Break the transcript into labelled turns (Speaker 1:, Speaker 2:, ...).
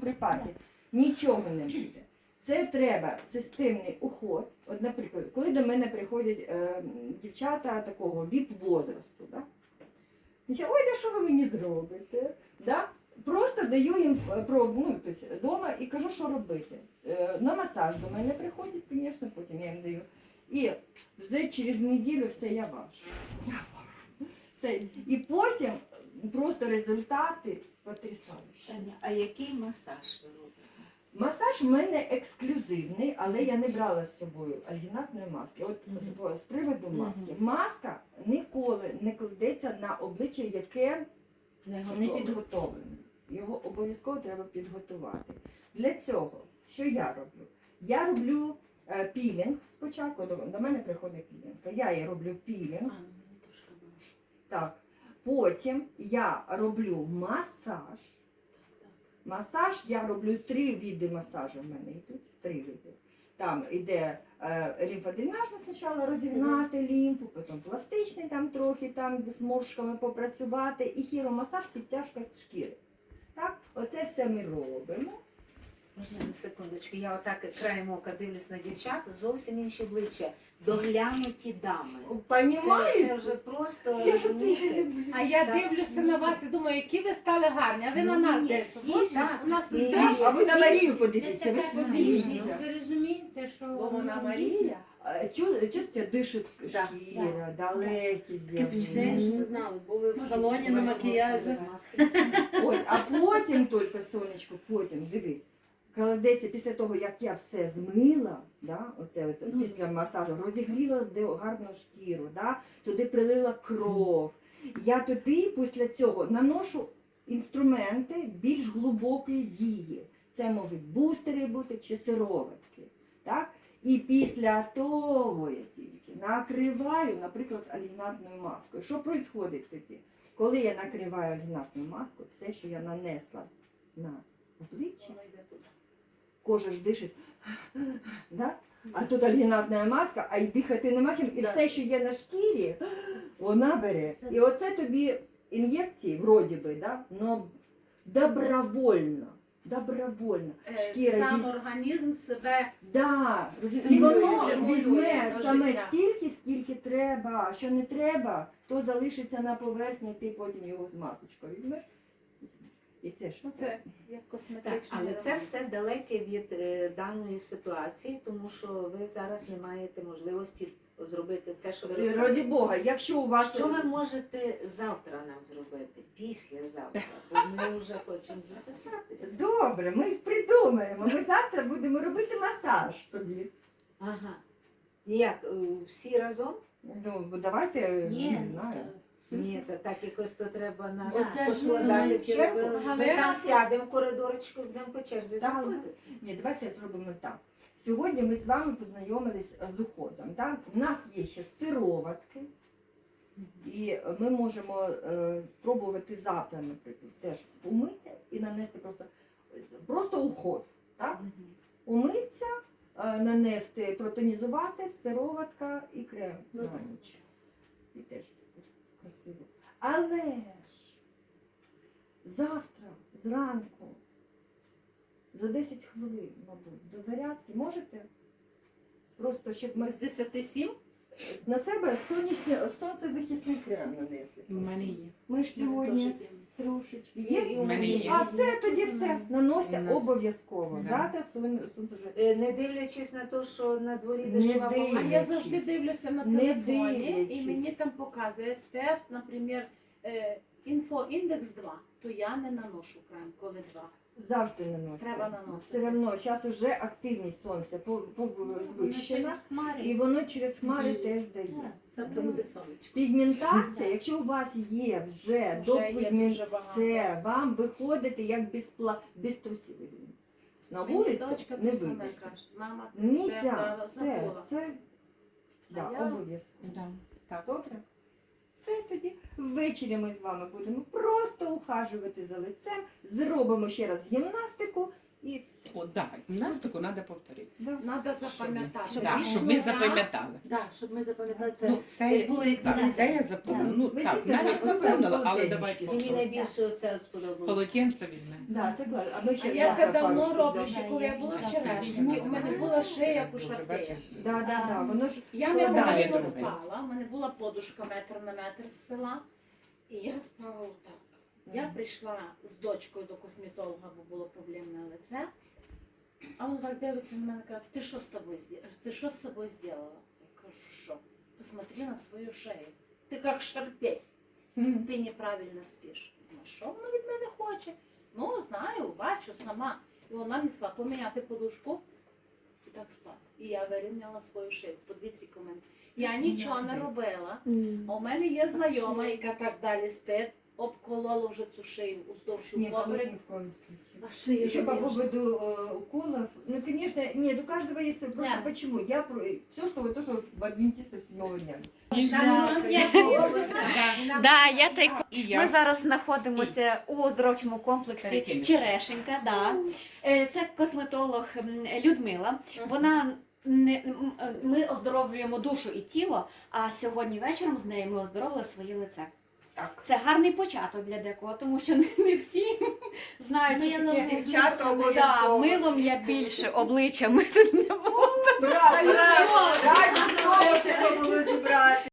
Speaker 1: припадків. Нічого не буде. Це треба системний уход. От, наприклад, коли до мене приходять дівчата такого віп-возрасту, да? Ой, да що ви мені зробите? Да? Просто даю їм пробу, тобто, вдома і кажу, що робити. На масаж до мене приходять, звісно, потім я їм даю. І вже через неділю все, я ваш. Все. І потім просто результати потрясаючі.
Speaker 2: Таня, а який масаж ви робите?
Speaker 1: Масаж в мене ексклюзивний, але я не брала з собою альгінатної маски. От з приводу маски. Маска ніколи не кладеться на обличчя, яке не підготовлене. Його обов'язково треба підготувати. Для цього, що я роблю? Я роблю пілінг спочатку, до мене приходить клієнтка. Я їй роблю пілінг. Так. Потім я роблю масаж. Масаж, я роблю 3 види масажу в мене йдуть, 3 види. Там йде лімфодренажний спочатку, розігнати лімфу, потім пластичний там трохи, там з моршками попрацювати, і хіромасаж, підтяжка шкіри. Так? Оце все ми робимо.
Speaker 2: Можна на секундочку, я отак краєм ока дивлюсь на дівчат, зовсім інші обличчя, доглянуті дами. Це вже просто...
Speaker 1: Я ж це ще люблю.
Speaker 3: А я дивлюся на вас і думаю, які ви стали гарні, а ви на нас дивитеся. У нас все.
Speaker 1: А ви на Марію подивіться, ви ж подивіться.
Speaker 4: Ви розумієте, що
Speaker 3: Бо вона Марія.
Speaker 1: Чувствуєте, дишить шкіра, далекі
Speaker 3: Теж
Speaker 1: з'явлення.
Speaker 3: ви знали, були в салоні на макіяжі.
Speaker 1: Ось, а потім тільки, сонечко, потім, дивись, кладеться після того, як я все змила, да, оце, після масажу, розігріла гарну шкіру, да, туди прилила кров. Я туди після цього наношу інструменти більш глибокої дії. Це можуть бустери бути чи сироватки. Так? І після того я тільки накриваю, наприклад, альгінатною маскою. Що відбувається тоді? Коли я накриваю альгінатною маскою, все, що я нанесла на обличчя, кожа ж дишить, да? А тут альгінатна маска, а й дихати нема чим. І все, що є на шкірі, вона бере. І оце тобі ін'єкції, вроді би, да? Но добровольно. Добровольно. Шкіра
Speaker 3: Сам організм себе...
Speaker 1: Да, і воно
Speaker 3: стимулює
Speaker 1: візьме
Speaker 3: до
Speaker 1: саме
Speaker 3: життя.
Speaker 1: стільки, скільки треба. А що не треба, то залишиться на поверхні, ти потім його з масочкою візьмеш. І теж.
Speaker 3: Ну, це як
Speaker 2: Так,
Speaker 3: косметичний
Speaker 2: але це
Speaker 3: ремонт.
Speaker 2: все далеке від даної ситуації, тому що ви зараз не маєте можливості зробити все, що ви
Speaker 1: Раді
Speaker 2: розумієте.
Speaker 1: Бога, якщо у вас...
Speaker 2: Що ви можете завтра нам зробити, післязавтра? Бо ми вже хочемо записатися.
Speaker 1: Добре, ми придумаємо. Ми завтра будемо робити масаж собі.
Speaker 2: Ага. Як, всі разом?
Speaker 1: Ну, давайте, не знаю.
Speaker 2: Ні, то так якось то треба нас
Speaker 3: Оце ж
Speaker 2: поскладати в
Speaker 3: ми
Speaker 2: чергу.
Speaker 3: робили.
Speaker 2: Ми там сядемо в коридорочку, будемо по черзі
Speaker 1: Так.
Speaker 2: заходити.
Speaker 1: Ні, давайте зробимо так. Сьогодні ми з вами познайомились з уходом. Так? У нас є ще сироватки, і ми можемо спробувати завтра, наприклад, теж умитися і нанести просто уход. Так? Умитися, нанести, протонізувати, сироватка і крем на ніч. І теж красиво. Але ж завтра зранку за 10 хвилин, мабуть, до зарядки можете? Просто, щоб ми
Speaker 3: З 10-7?
Speaker 1: на себе сонцезахисний крем нанесли.
Speaker 4: У мене є.
Speaker 1: Ми ж сьогодні трошечки є.
Speaker 2: І у мене є.
Speaker 1: А все, тоді все. Наносьте
Speaker 4: У нас.
Speaker 1: обов'язково.
Speaker 4: Да.
Speaker 1: Завтра сонцезахисний.
Speaker 2: Не дивлячись на те, що на дворі
Speaker 1: Не
Speaker 2: дощова
Speaker 1: дивлячись.
Speaker 3: А
Speaker 2: погода.
Speaker 3: я завжди дивлюся на
Speaker 1: Не
Speaker 3: телефоні,
Speaker 1: дивлячись.
Speaker 3: і мені там показує SPF, наприклад, інфоіндекс 2, то я не наношу крем, коли 2.
Speaker 1: Завжди наносите.
Speaker 3: Треба наносити.
Speaker 1: Все одно, зараз вже активність сонця звищена, і воно через хмари теж дає.
Speaker 3: Завтра буде сонечко.
Speaker 1: Пігментація, якщо у вас є вже до
Speaker 3: є дуже
Speaker 1: пігментації,
Speaker 3: багато.
Speaker 1: вам виходите як без трусів. На
Speaker 3: Мені
Speaker 1: вулицю
Speaker 3: дочка
Speaker 1: не
Speaker 3: те саме
Speaker 1: вийдете.
Speaker 3: каже. Мама, ти
Speaker 1: Нельзя,
Speaker 3: SPF
Speaker 1: все,
Speaker 3: забула.
Speaker 1: це да,
Speaker 3: А я-
Speaker 1: обов'язково.
Speaker 4: Да. Так.
Speaker 1: Добре? Все тоді. Ввечері ми з вами будемо просто ухажувати за лицем, зробимо ще раз гімнастику і все.
Speaker 4: да, гімнастику треба повторити.
Speaker 1: Да.
Speaker 3: Надо запам'ятати.
Speaker 4: Да,
Speaker 3: Рішення,
Speaker 4: щоб ми запам'ятали.
Speaker 3: Да, щоб ми запам'ятали це.
Speaker 4: Ну, це
Speaker 3: було як
Speaker 4: так,
Speaker 3: дитя.
Speaker 4: це я запомнила. Ну
Speaker 1: Ви
Speaker 4: так,
Speaker 1: знаєте,
Speaker 4: наче
Speaker 1: це
Speaker 4: запомнила, але
Speaker 1: полотенечки.
Speaker 4: давайте
Speaker 2: Мені
Speaker 4: повторимо.
Speaker 2: найбільше оце сподобалося.
Speaker 4: Полотенце візьмемо.
Speaker 1: Да, це класно. А ми
Speaker 3: А
Speaker 1: ще
Speaker 3: я це
Speaker 1: пару
Speaker 3: давно
Speaker 1: штук
Speaker 3: роблю,
Speaker 1: дамо.
Speaker 3: ще коли я була в
Speaker 4: Так,
Speaker 3: Черешні, у мене була шия, як у
Speaker 4: Дуже
Speaker 3: швартеї.
Speaker 4: бачиш.
Speaker 1: Да, воно ж
Speaker 3: Я не
Speaker 1: складає
Speaker 3: правильно
Speaker 4: добре.
Speaker 3: спала, у мене була подушка метр на метр з села, і я спала отак. Я прийшла з дочкою до косметолога, бо було проблемне лице. А він так дивиться на мене і каже, ти що з тобою ти що з собою зробила? Я кажу, що? Посмотри на свою шею. Ти як шарпей,
Speaker 1: Мгм.
Speaker 3: ти неправильно спиш. Ну, що вона від мене хоче? Ну, знаю, бачу сама. І вона мені сказала, поміняти подушку і так спати. І я вирівняла свою шию. Подивіться комент. Я нічого не робила. А у мене є знайома, яка так далі спить, обколола вже цю шию уздовж і
Speaker 1: Нет,
Speaker 3: впоперек.
Speaker 1: ни в коем случае.
Speaker 3: А шию
Speaker 1: Еще по
Speaker 3: режу.
Speaker 1: поводу уколов, ну, конечно, нет, у каждого есть, просто
Speaker 3: Да.
Speaker 1: почему? Все, что вот то, что в адвентистов 7-го дня.
Speaker 5: Да, я тайко.
Speaker 4: І я.
Speaker 5: Ми зараз знаходимося у оздоровчому комплексі
Speaker 4: Перекинешся.
Speaker 5: Черешенька. Да. Це косметолог Людмила. Вона ми оздоровлюємо душу і тіло, а сьогодні вечором з нею ми оздоровили своє лице.
Speaker 1: Так.
Speaker 5: Це гарний початок для декого, тому що не всі знають, що
Speaker 3: Милом
Speaker 5: таке.
Speaker 1: дівчата
Speaker 5: Да,
Speaker 1: обов'язково.
Speaker 5: милом я більше, обличчя мити не буду.
Speaker 1: Браво! Раді знову ще було зібрати.